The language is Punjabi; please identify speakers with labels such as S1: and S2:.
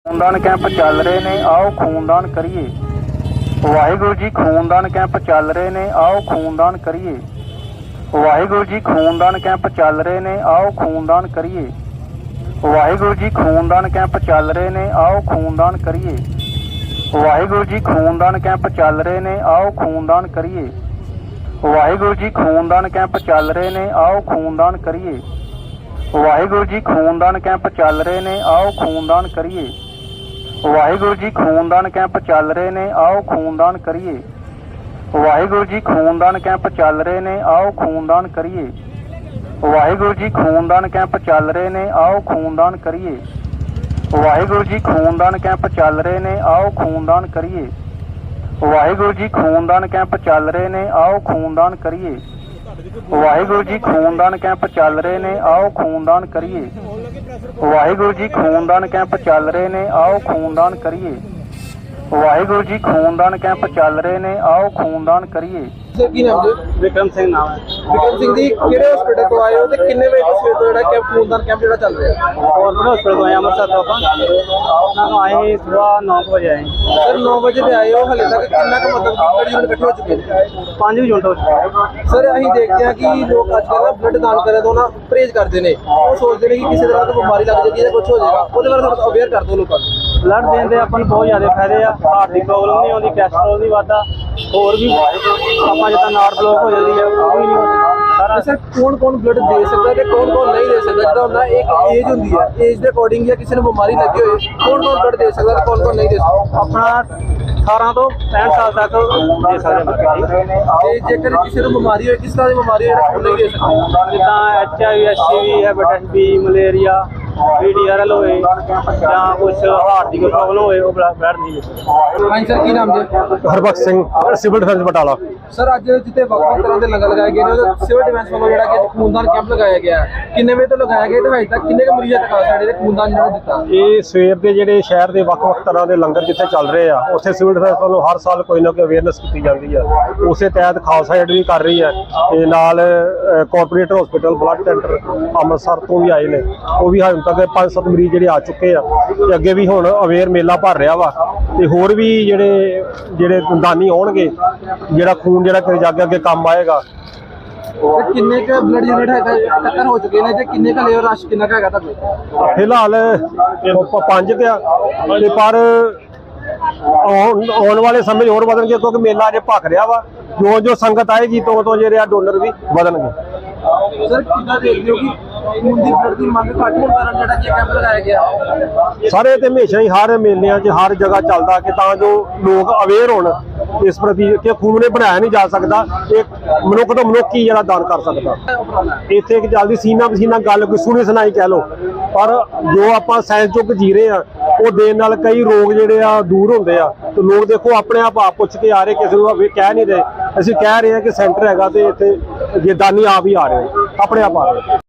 S1: खूनदान कैंप चल रहे ने, आओ खूनदान करिए। वाहिगुरु जी खूनदान कैंप चल रहे ने, आओ खूनदान करिए। वाहिगुरु जी खूनदान कैंप चल रहे ने, आओ खूनदान करिए। वाहिगुरु जी खूनदान कैंप चल रहे ने, आओ खूनदान करिए। वाहिगुरु जी खूनदान कैंप चल रहे ने, आओ खूनदान करिए। वाहिगुरु जी खूनदान कैंप चल रहे ने, आओ खूनदान करिए। वाहिगुरु जी खूनदान कैंप चल रहे ने, आओ खूनदान करिए। वाहिगुरु जी खूनदान कैंप चल रहे ने, आओ खूनदान करिए। वाहिगुरु जी खूनदान कैंप चल रहे ने, आओ खूनदान करिए। वाहिगुरु जी खूनदान कैंप चल रहे ने, आओ खूनदान करिए। वाहिगुरु जी खूनदान कैंप चल रहे ने, आओ खूनदान करिए। वाहिगुरु जी खूनदान कैंप चल रहे ने, आओ खूनदान करिए। वाहिगुरु जी खूनदान कैंप चल रहे ने, आओ खूनदान करिए। वाहिगुरु जी खूनदान कैंप चल रहे ने, आओ खूनदान करिए। वाहिगुरु जी खूनदान कैंप चल रहे ने, आओ खूनदान करिए।
S2: सर की नाम जी?
S1: विक्रम सिंह नाम है।
S2: विक्रम सिंह जी ਕਿਹੜੇ ਹਸਪੀਟਲ ਤੋਂ ਆਏ ਹੋ ਤੇ ਕਿੰਨੇ ਵਜੇ ਤੋਂ ਸਵੇਰ ਤੋਂ ਜਿਹੜਾ ਕਿ ਖੂਨਦਾਨ ਕੈਂਪ ਜਿਹੜਾ ਚੱਲ ਰਿਹਾ ਹੈ?
S1: गवर्नमेंट हॉस्पिटल तो आए अमृतसर तो अपन आए सुबह 9 बजे आए।
S2: ਸਰ 9 ਵਜੇ ਤੇ ਆਏ ਹੋ, ਹਲੇ ਤੱਕ ਕਿੰਨਾ ਕੁ ਮਤਲਬ ਕਿ ਬਲੱਡ ਯੂਨਿਟ ਇਕੱਠੇ ਹੋ ਚੁੱਕੇ ਨੇ?
S1: 5 यूनिट हो चुके हैं।
S2: ਸਰ ਅਸੀਂ ਦੇਖਦੇ ਹਾਂ ਕਿ ਲੋਕ ਅੱਜ ਕੱਲ੍ਹ ਬਲੱਡ ਦਾਨ ਕਰਨ ਤੋਂ ਨਾ ਪਰਹੇਜ਼ ਕਰਦੇ ਨੇ। ਉਹ ਸੋਚਦੇ ਨੇ ਕਿ ਕਿਸੇ ਤਰ੍ਹਾਂ ਦੀ ਬਿਮਾਰੀ ਲੱਗ ਜਾਏਗੀ ਜਾਂ ਕੁਝ ਹੋ ਜਾਏਗਾ। ਉਹਦੇ ਬਾਰੇ ਥੋੜਾ ਅਵੇਅਰ ਕਰ ਦਿਓ ਲੋਕਾਂ ਨੂੰ।
S1: ब्लड देने ਦੇ ਆਪਾਂ ਨੂੰ ਬਹੁਤ ਜ਼ਿਆਦਾ ਫਾਇਦੇ ਆ। ਹਾਰਟ ਦੀ ਪ੍ਰੋਬਲਮ ਨਹੀਂ ਆਉਂਦੀ, ਕੋਲੇਸਟ੍ਰੋਲ ਨਹੀਂ ਵੱਧਦਾ, ਹੋਰ ਵੀ ਆਪਾਂ ਜਿੱਦਾਂ ਨਾੜ ਬਲੌਕ ਹੋ ਜਾਂਦੀ ਹੈ ਉਹ ਵੀ ਨਹੀਂ ਹੁੰਦੀ ਸਾਰਾ।
S2: ਸਰ ਕੌਣ ਬਲੱਡ ਦੇ ਸਕਦਾ ਤੇ ਕੌਣ ਨਹੀਂ ਦੇ ਸਕਦਾ? ਜਿੱਦਾਂ ਹੁੰਦਾ ਇੱਕ ਏਜ ਹੁੰਦੀ ਹੈ, ਏਜ ਦੇ ਅਕੋਰਡਿੰਗ ਜਾਂ ਕਿਸੇ ਨੂੰ ਬਿਮਾਰੀ ਲੱਗੀ ਹੋਏ ਕੌਣ ਬਲੱਡ ਦੇ ਸਕਦਾ ਤੇ ਕੌਣ ਨਹੀਂ ਦੇ ਸਕਦਾ?
S1: ਆਪਣਾ 18 ਤੋਂ 65 ਸਾਲ ਤੱਕ ਦੇ ਸਕਦੇ ਹਾਂ।
S2: ਤੇ ਜੇਕਰ ਕਿਸੇ ਨੂੰ ਬਿਮਾਰੀ ਹੋਏ, ਕਿਸ ਤਰ੍ਹਾਂ ਦੀ ਬਿਮਾਰੀ ਹੋਏ ਜਿਹੜਾ ਨਹੀਂ ਦੇ ਸਕਦਾ?
S1: ਜਿੱਦਾਂ HIV HCV hepatitis B malaria VDRL ਹੋਏ ਜਾਂ ਕੁਝ ਹਾਰਟ ਦੀ ਕੋਈ ਪ੍ਰੋਬਲਮ ਹੋਏ ਉਹ ਬਲੱਡ ਨਹੀਂ ਦੇ ਸਕਦੇ।
S2: ਹਾਂਜੀ ਸਰ ਕੀ ਨਾਮ ਜੀ?
S3: Harbakhsh Singh, civil defence Batala.
S2: Sir ਅੱਜ ਜਿੱਥੇ ਵੱਖ-ਵੱਖ ਤਰ੍ਹਾਂ ਦੇ ਲੰਗਰ ਲਗਾਏ ਗਏ ਨੇ, ਉਹ ਸਿਵਲ ਡਿਫੈਂਸ ਵੱਲੋਂ ਜਿਹੜਾ ਕਿ ਖੂਨਦਾਨ ਕੈਂਪ ਲਗਾਇਆ ਗਿਆ ਹੈ, ਕਿੰਨੇ ਵਜੇ ਤੋਂ ਲਗਾਇਆ ਗਿਆ ਤੇ ਹਜੇ ਤੱਕ ਕਿੰਨੇ ਕੁ ਮਰੀਜ਼ਾਂ ਤੱਕ ਆ ਸਕਦੇ ਨੇ ਖੂਨਦਾਨ ਜਿਹੜਾ ਦਿੱਤਾ?
S3: ਇਹ ਸਵੇਰ ਦੇ ਜਿਹੜੇ ਸ਼ਹਿਰ ਦੇ ਵੱਖ-ਵੱਖ ਤਰ੍ਹਾਂ ਦੇ ਲੰਗਰ ਜਿੱਥੇ ਚੱਲ ਰਹੇ ਆ, ਉੱਥੇ ਸਿਵਲ ਡਿਫੈਂਸ ਵੱਲੋਂ ਹਰ ਸਾਲ ਕੋਈ ਨਾ ਕੋਈ ਅਵੇਅਰਨੈਸ ਕੀਤੀ ਜਾਂਦੀ ਆ। ਉਸੇ ਤਹਿਤ ਖਾਲਸਾ ਏਡ ਵੀ ਕਰ ਰਹੀ ਹੈ ਤੇ ਨਾਲ corporate hospital blood centre Amritsar ਤੋਂ ਵੀ ਆਏ ਨੇ। ਉਹ ਵੀ ਹੁਣ ਤੱਕ 5-7 ਮਰੀਜ਼ ਜਿਹੜੇ ਆ ਚੁੱਕੇ ਆ ਤੇ ਅੱਗੇ ਵੀ ਹੁਣ ਅਵੇਅਰ ਮੇਲਾ ਭਰ ਰਿਹਾ ਵਾ ਤੇ ਹੋਰ ਵੀ ਜਿਹੜੇ ਦਾਨੀ ਆਉਣਗੇ, ਜਿਹੜਾ ਖੂਨ ਜਿਹੜਾ ਕਿ ਅੱਗੇ ਅੱਗੇ ਕੰਮ ਆਏਗਾ।
S2: ਤੇ ਕਿੰਨੇ ਕੁ ਬਲੱਡ ਯੂਨਿਟ ਹੈਗਾ ਟੱਕਰ ਹੋ ਚੁੱਕੇ ਨੇ ਤੇ ਕਿੰਨੇ ਕੁ ਲੇਵਰ ਰਸ਼ ਕਿੰਨਾ ਕੁ ਹੈਗਾ ਤੁਹਾਡੇ?
S3: ਫਿਲਹਾਲ 5 ਤੇ ਆ ਤੇ ਪਰ ਆਉਣ ਵਾਲੇ ਸਮੇਂ ਹੋਰ ਵਧਣਗੇ ਕਿਉਂਕਿ ਮੇਲਾ ਅਜੇ ਭਖ ਰਿਹਾ ਵਾ। ਜੋ ਸੰਗਤ ਆਏਗੀ ਤੋਂ ਜਿਹੜੇ ਡੋਨਰ ਵੀ ਵਧਣਗੇ।
S2: ਸਰ ਕਿੱਦਾਂ ਦੇਖਦੇ ਹੋ ਕਿ ਖੂਨ ਦੀ ਬਲੱਡ ਦੀ ਮੰਗ ਘੱਟ ਹੋਣ ਕਾਰਨ ਜਿਹੜਾ ਕਿ ਕੈਂਪ ਲਗਾਇਆ ਗਿਆ?
S3: ਸਾਰੇ ਤੇ ਹਮੇਸ਼ਾ ਹੀ ਹਰ ਮੇਲਿਆਂ 'ਚ ਹਰ ਜਗ੍ਹਾ ਚੱਲਦਾ ਕਿ ਤਾਂ ਜੋ ਲੋਕ ਅਵੇਅਰ ਹੋਣ ਇਸ ਪ੍ਰਤੀ ਕਿ ਖੂਨ ਨੇ ਬਣਾਇਆ ਨਹੀਂ ਜਾ ਸਕਦਾ, ਇਹ ਮਨੁੱਖ ਤੋਂ ਮਨੁੱਖ ਹੀ ਜਿਹੜਾ ਦਾਨ ਕਰ ਸਕਦਾ। ਇੱਥੇ ਇੱਕ ਚੱਲਦੀ ਸੀਨਾ ਪਸੀਨਾ ਗੱਲ ਕੋਈ ਸੁਣੀ ਸੁਣਾਈ ਕਹਿ ਲਓ, ਪਰ ਜੋ ਆਪਾਂ ਸਾਇੰਸ ਯੁੱਗ ਜੀ ਰਹੇ ਆ ਉਹ ਦੇਣ ਨਾਲ ਕਈ ਰੋਗ ਜਿਹੜੇ ਆ ਦੂਰ ਹੁੰਦੇ ਆ। ਤੇ ਲੋਕ ਦੇਖੋ ਆਪਣੇ ਆਪ ਪੁੱਛ ਕੇ ਆ ਰਹੇ, ਕਿਸੇ ਨੂੰ ਕਹਿ ਨਹੀਂ ਰਹੇ। ਅਸੀਂ ਕਹਿ ਰਹੇ ਹਾਂ ਕਿ ਸੈਂਟਰ ਹੈਗਾ ਤੇ ਇੱਥੇ ਜੇ ਦਾਨੀ ਆਪ ਹੀ ਆ ਰਹੇ ਆਪਣੇ ਆਪ ਆ ਰਹੇ।